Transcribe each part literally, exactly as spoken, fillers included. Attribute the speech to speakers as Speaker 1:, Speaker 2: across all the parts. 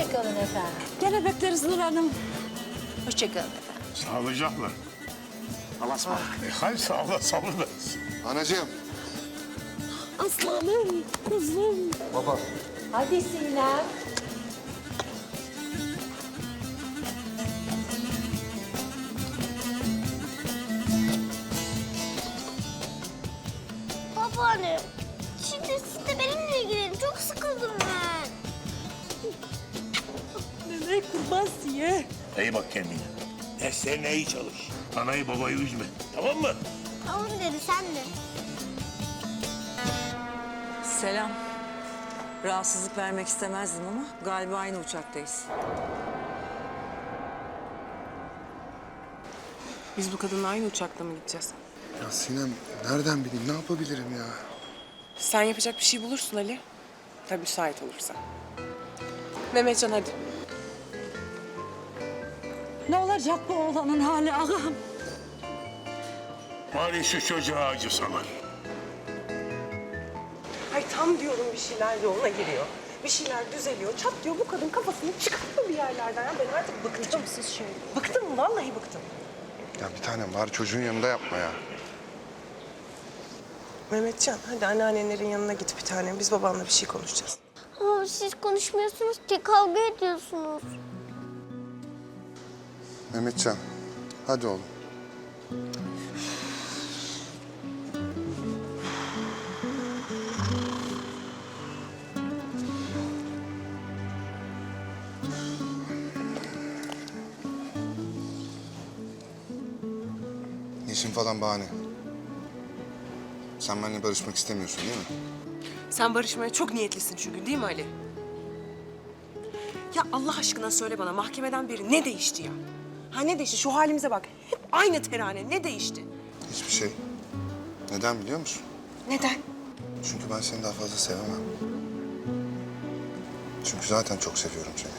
Speaker 1: Hoşçakalın efendim.
Speaker 2: Gene bekleriz Nur Hanım.
Speaker 1: Hoşçakalın efendim.
Speaker 3: Sağlıcakla.
Speaker 4: Allah'a ısmarladık.
Speaker 3: E, hayır sağ ol, sağ ol.
Speaker 5: Anacığım.
Speaker 2: Aslanım, kuzum.
Speaker 5: Baba.
Speaker 1: Hadi Sinem.
Speaker 6: Babaanne, şimdi siz de benimle ilgilenin. Çok sıkıldım ben.
Speaker 2: Nene kurban ye.
Speaker 3: İyi bak kendine. Derslerine iyi çalış. Anayı babayı üzme. Tamam mı?
Speaker 6: Tamam dedi, sen de.
Speaker 7: Selam. Rahatsızlık vermek istemezdim ama galiba aynı uçaktayız.
Speaker 8: Biz bu kadınla aynı uçakla mı gideceğiz?
Speaker 5: Ya Sinem nereden bileyim ne yapabilirim ya?
Speaker 8: Sen yapacak bir şey bulursun Ali. Tabii müsait olursan. Mehmetcan hadi.
Speaker 2: Ne olacak bu oğlanın hali ağam?
Speaker 3: Bari şu çocuğa acısalar.
Speaker 8: Ay tam diyorum bir şeyler yoluna giriyor. Bir şeyler düzeliyor. Çat diyor bu kadın kafasını çıkartıyor bir yerlerden. Ya ben artık bıktım. Siz şöyle. Bıktım vallahi bıktım.
Speaker 5: Ya bir tanem var çocuğun yanında yapma ya.
Speaker 8: Mehmetcan hadi anneannelerin yanına git bir tane. Biz babanla bir şey konuşacağız.
Speaker 6: Ama siz konuşmuyorsunuz ki, kavga ediyorsunuz.
Speaker 5: Mehmetcan hadi oğlum. Yeşim falan bahane. Sen benimle barışmak istemiyorsun değil mi?
Speaker 8: Sen barışmaya çok niyetlisin çünkü değil mi Ali? Ya Allah aşkına söyle bana mahkemeden beri ne değişti ya? Ha ne değişti? Şu halimize bak. Hep aynı terane. Ne değişti?
Speaker 5: Hiçbir şey. Neden biliyor musun?
Speaker 8: Neden?
Speaker 5: Çünkü ben seni daha fazla sevemem. Çünkü zaten çok seviyorum seni.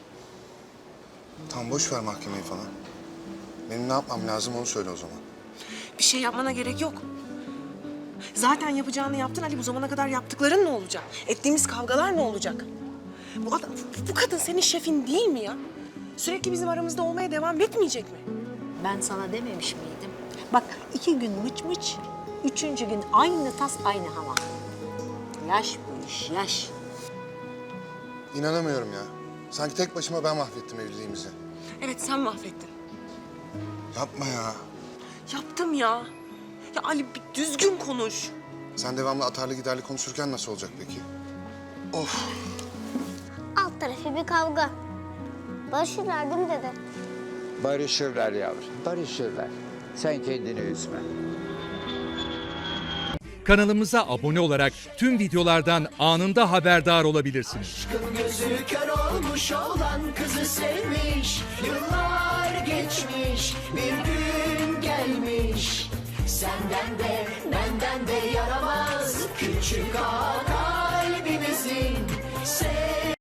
Speaker 5: Tamam boş ver mahkemeyi falan. Benim ne yapmam lazım onu söyle o zaman.
Speaker 8: Bir şey yapmana gerek yok. Zaten yapacağını yaptın Ali. Bu zamana kadar yaptıkların ne olacak? Ettiğimiz kavgalar ne olacak? Bu adam, bu kadın senin şefin değil mi ya? Sürekli bizim aramızda olmaya devam etmeyecek mi?
Speaker 1: Ben sana dememiş miydim? Bak iki gün mıç mıç, üçüncü gün aynı tas aynı hava. Yaş bu iş, yaş.
Speaker 5: İnanamıyorum ya. Sanki tek başıma ben mahvettim evliliğimizi.
Speaker 8: Evet sen mahvettin.
Speaker 5: Yapma ya.
Speaker 8: Yaptım ya. Ya Ali bir düzgün konuş.
Speaker 5: Sen devamlı atarlı giderli konuşurken nasıl olacak peki? Of.
Speaker 6: Alt tarafı bir kavga. Barışırlar değil mi dede?
Speaker 9: Barışırlar yavrum, barışırlar. Sen kendini üzme.
Speaker 10: Kanalımıza abone olarak tüm videolardan anında haberdar olabilirsiniz.
Speaker 11: Aşkın gözü kör olmuş olan kızı sevmiş. Yıllar geçmiş, bir gün gelmiş. Senden de benden de yaramaz küçük ağa kalbimizin.